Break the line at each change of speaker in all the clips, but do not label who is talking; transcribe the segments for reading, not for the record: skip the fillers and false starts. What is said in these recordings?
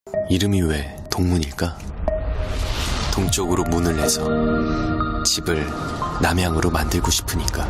이름이 왜 동문일까? 동쪽으로 문을 내서 집을 남향으로 만들고 싶으니까.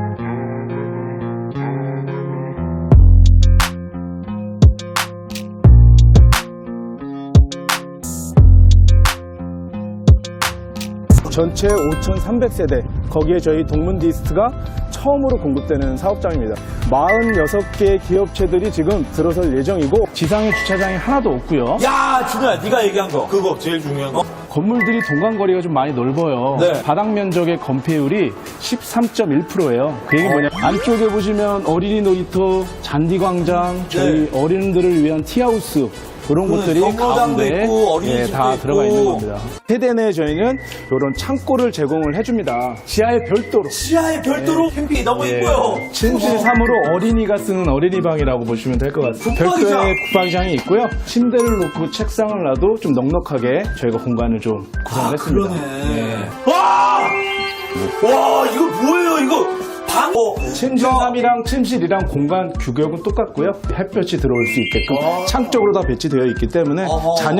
전체 5,300세대, 거기에 저희 동문디스트가 처음으로 공급되는 사업장입니다. 46개 기업체들이 지금 들어설 예정이고, 지상에 주차장이 하나도 없고요.
야, 준호야, 네가 얘기한 거. 그거 제일 중요한 거.
건물들이 동간거리가 좀 많이 넓어요.
네.
바닥 면적의 건폐율이 13.1%예요. 그 얘기 뭐냐? 안쪽에 보시면 어린이 놀이터, 잔디광장, 저희 어린이들을 위한 티하우스, 그런 곳들이 가운데
있고,
다 들어가
있고.
있는 겁니다. 세대 내에 저희는 이런 창고를 제공을 해줍니다. 지하에 별도로.
시야에 별도로 캠핑이 너무 이뻐요.
침실 3으로 어린이가 쓰는 어린이방이라고 보시면 될 것 같습니다.
붙박이장.
별도의 붙박이장이 있고요. 침대를 놓고 책상을 놔도 좀 넉넉하게 저희가 공간을 좀 구성을 했습니다.
그러네. 와! 와, 이거 뭐예요, 이거? 방?
침실 3이랑 침실이랑 공간 규격은 똑같고요. 햇볕이 들어올 수 있게끔 창 쪽으로 다 배치되어 있기 때문에 자녀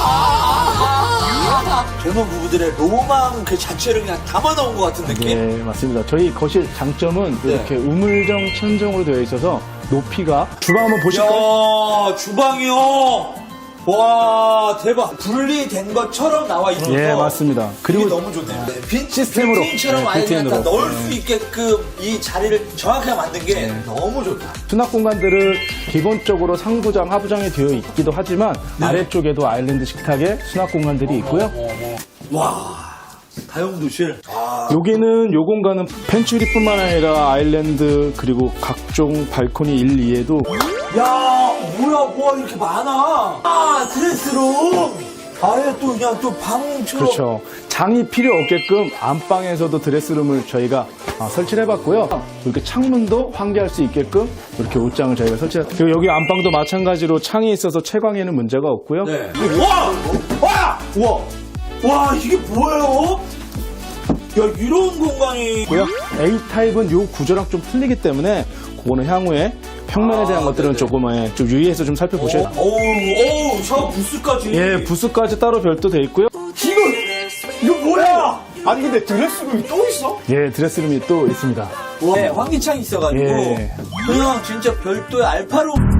젊은 부부들의 로망 그 자체를 그냥 담아놓은 것 같은 느낌?
네, 맞습니다. 저희 거실 장점은 이렇게 우물정 천정으로 되어 있어서 높이가 주방 한번 보실까요?
야, 주방이요. 와, 대박. 분리된 것처럼 나와 있어서.
예, 맞습니다.
그리고
그리고
너무 좋네요.
시스템으로.
빌트인처럼
네,
아예 그냥 다
빌트인으로.
넣을 수 있게끔 이 자리를 정확하게 만든 게 너무 좋다.
수납 공간들은 기본적으로 상부장, 하부장이 되어 있기도 하지만 아래쪽에도 아일랜드 식탁에 수납 공간들이 있고요.
와, 다용도실.
여기는 요 공간은 펜츄리뿐만 아니라 아일랜드 그리고 각종 발코니 1, 2에도
야, 뭐야, 이렇게 많아. 아, 드레스룸. 아예 또 그냥 또 방처럼.
그렇죠. 장이 필요 없게끔 안방에서도 드레스룸을 저희가 설치를 해봤고요. 이렇게 창문도 환기할 수 있게끔 이렇게 옷장을 저희가 설치했어요. 그리고 여기 안방도 마찬가지로 창이 있어서 채광에는 문제가 없고요.
네. 와, 이게 뭐예요? 야, 이런 공간이.
A타입은 요 구조랑 좀 틀리기 때문에 그거는 향후에 평면에 대한 것들은 조금 좀 유의해서 좀 살펴보셔야 돼요.
어우, 샤워 부스까지.
예, 부스까지 따로 별도 돼 있고요.
이거 뭐야? 아니, 근데 드레스룸이 또 있어?
예, 드레스룸이 또 있습니다.
네, 환기창이 있어가지고.
예.
그냥 진짜 별도의 알파룸.